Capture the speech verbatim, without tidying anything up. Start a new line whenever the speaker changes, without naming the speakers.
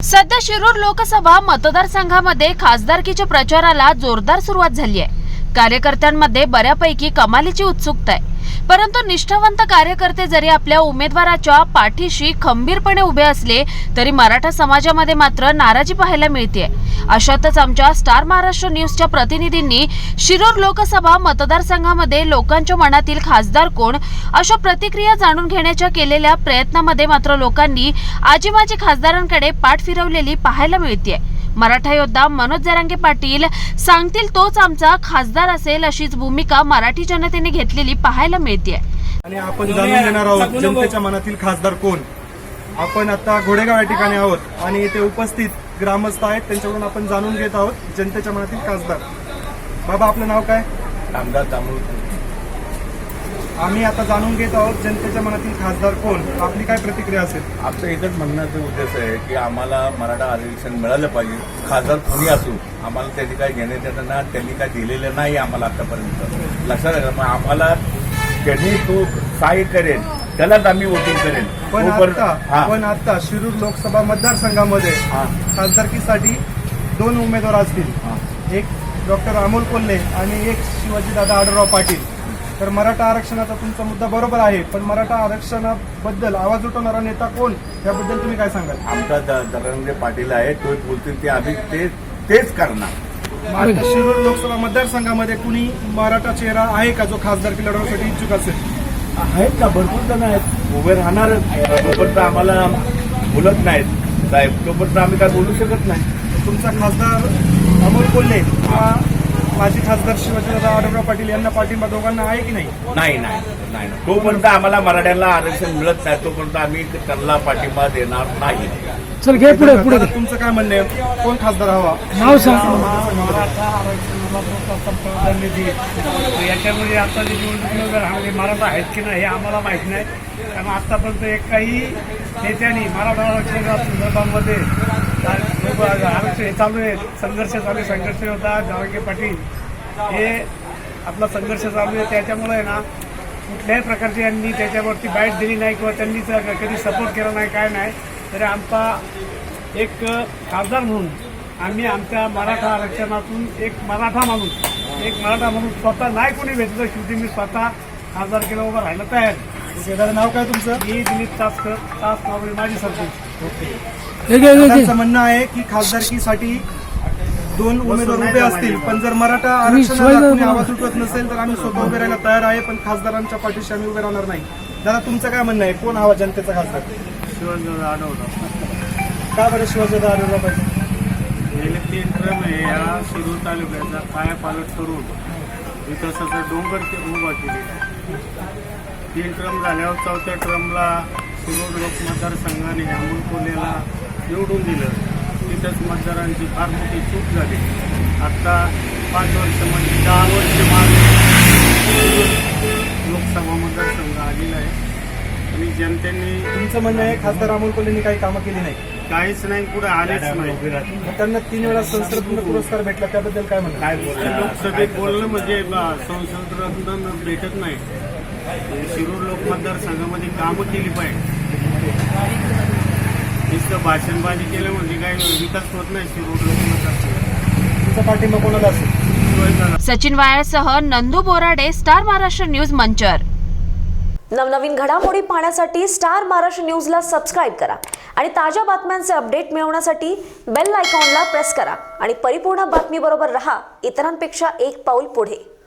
सध्या शिरूर लोकसभा मतदारसंघामध्ये खासदारकीच्या प्रचाराला जोरदार सुरुवात झाली आहे। कार्यकर्त्यांमध्ये बऱ्यापैकी कमालीची उत्सुकता आहे, परंतु निष्ठावंत कार्यकर्ते जरी आपल्या उमेदवाराच्या पाठीशी खंबीरपणे उभे असले तरी मराठा समाजामध्ये मात्र नाराजी पाहायला मिळते। अशातच आमच्या स्टार महाराष्ट्र न्यूजच्या प्रतिनिधींनी शिरूर लोकसभा मतदारसंघामध्ये लोकांच्या मनातील खासदार कोण अशा प्रतिक्रिया जाणून घेण्याच्या केलेल्या प्रयत्नामध्ये मात्र लोकांनी आजी माजी खासदारांकडे पाठ फिरवलेली पाहायला मिळते। मराठा योद्धा मनोज जरांगे पाटील सांगतील तोच आमचा खासदार असेल अशीच भूमिका मराठी जनतेने घेतलेली पाहायला मिळते।
आणि आपण जाणून घेणार आहोत जनतेच्या मनातील खासदार कोण। आपण आता घोडेगाव या ठिकाणी आहोत आणि इथे उपस्थित ग्रामस्थ आहेत, त्यांच्याकडून आपण जाणून घेत आहोत जनतेच्या मनातील खासदार। बाबा, आपलं नाव काय?
रामदास दामोदर।
आम्ही आता जाणून घेत आहोत जनतेच्या मनातील खासदार कोण, आपली काय प्रतिक्रिया असेल?
आमचं एकच म्हणण्याचा उद्देश आहे की आम्हाला मराठा आरक्षण मिळालं पाहिजे, खासदार कोणी असू। आम्हाला त्यांनी काय घेण्यात येतं ना, त्यांनी काय दिलेलं नाही आम्हाला आतापर्यंत। लक्षात घ्या, मग आम्हाला त्यांनी तो सहाय्य करेल त्यालाच आम्ही वोटिंग करेल।
पण आता पण आता शिरूर लोकसभा मतदारसंघामध्ये खासदारकीसाठी दोन उमेदवार असतील, एक डॉक्टर अमोल कोल्हे आणि एक शिवाजीदादा आढळराव पाटील। तर मराठा आरक्षणाचा तुमचा मुद्दा बरोबर आहे, पण मराठा आरक्षणाबद्दल आवाज उठवणारा नेता कोण, याबद्दल तुम्ही काय सांगाल?
आमचा जरांगे पाटील आहे, तो बोलतील ते आम्ही ते तेच करणार।
शिरूर लोकसभा मतदारसंघामध्ये कुणी मराठा चेहरा आहे का जो खासदारकी लढवण्यासाठी इच्छुक असेल?
आहेत ना, भरपूर जण आहेत, उभे राहणार। तोपर्यंत आम्हाला बोलत नाहीत साहेब, तोपर्यंत आम्ही काय बोलू शकत नाही।
तुमचा खासदार अमोल कोल्हे किंवा माजी खासदार शिवाजीदादा आढळराव पाटील यांना पाठिंबा दोघांना आहे की नाही?
नाही नाही नाही तोपर्यंत आम्हाला मराठ्यांना आरक्षण मिळत नाही तोपर्यंत आम्ही त्यांना पाठिंबा देणार नाही।
चल घे पुढे पुढे
तुमचं काय म्हणणं आहे, कोण खासदार हवा?
नाव सांग।
मराठा आरक्षणाला प्रोत्साहन निधी याच्यामध्ये आता जे निवडणुकीमध्ये मराठा आहेत की नाही हे आम्हाला माहीत नाही, कारण आतापर्यंत एकही नेत्यांनी मराठा आरक्षणाच्या संदर्भामध्ये आरक्षण हे चालू आहे, संघर्ष चालू आहे, संघर्ष होता जरांगे पाटील हे आपला संघर्ष चालू आहे। त्याच्यामुळे आहे ना, कुठल्याही प्रकारची यांनी त्याच्यावरती बाईट दिली नाही किंवा त्यांनी कधी सपोर्ट केला नाही, काय नाही। तरी आमचा एक खासदार म्हणून आम्ही आमच्या मराठा आरक्षणातून एक मराठा माणूस एक मराठा म्हणून स्वतः नाही कोणी भेटलं, शेवटी मी स्वतः खासदार केला उभं राहायला तयार।
दादा, नाव काय तुमचं?
मी दिलीप तासकर, तास नावरी माझी सरपंच।
त्यांचं म्हणणं आहे की खासदारकीसाठी दोन उमेदवार उभे असतील, पण जर मराठा आरक्षणाला कोणी आवाज उठवत नसेल तर आम्ही स्वतः उभे राहायला तयार आहे, पण खासदारांच्या पाठीशी आम्ही उभे राहणार नाही। दादा, तुमचं काय म्हणणं आहे, कोण हवा जनतेचा खासदार?
शिवाजीदादा आढळराव।
का बरं शिवाजीदादा आढळराव पाहिजे?
गेले तीन ट्रम या शिरूर तालुक्याचा कायापालट करून विकासाचा डोंगर उभा केलेला। तीन ट्रम झाल्यावर चौथ्या ट्रमला शिरूर लोक मतदारसंघाने अमोल कोल्हेला निवडून दिलं, तिथंच मतदारांची फार मोठी चूक झाली। आता पाच वर्ष म्हणजे दहा वर्ष मागे लोकसभा मतदारसंघ आलेला आहे आणि जनतेने
तुमचं म्हणणं आहे खासदार अमोल कोल्हेंनी काही कामं केली नाही?
काहीच नाही, पुढे आलेच नाही।
त्यांना तीन वेळा संसदरत्न पुरस्कार भेटला, त्याबद्दल काय म्हणणं?
काय
लोकसभेत बोलणं म्हणजे संसद रत्न भेटत नाही। शिरूर लोक मतदारसंघामध्ये कामं केली पाहिजे, नुसतं भाषणबाजी केलं म्हणजे काय विकास होत नाही शिरूर लोक मतदारसंघात।
तुमचा पाठिंबा कोणाला असेल?
सचिन वायरसह नंदू बोराडे, स्टार महाराष्ट्र न्यूज, मंचर।
नवनवीन घडामोडी पाहण्यासाठी स्टार महाराष्ट्र न्यूजला सबस्क्राईब करा आणि ताज्या बातम्यांचे अपडेट मिळवण्यासाठी बेल आयकॉनला प्रेस करा आणि परिपूर्ण बातमीबरोबर रहा, इतरांपेक्षा एक पाऊल पुढे।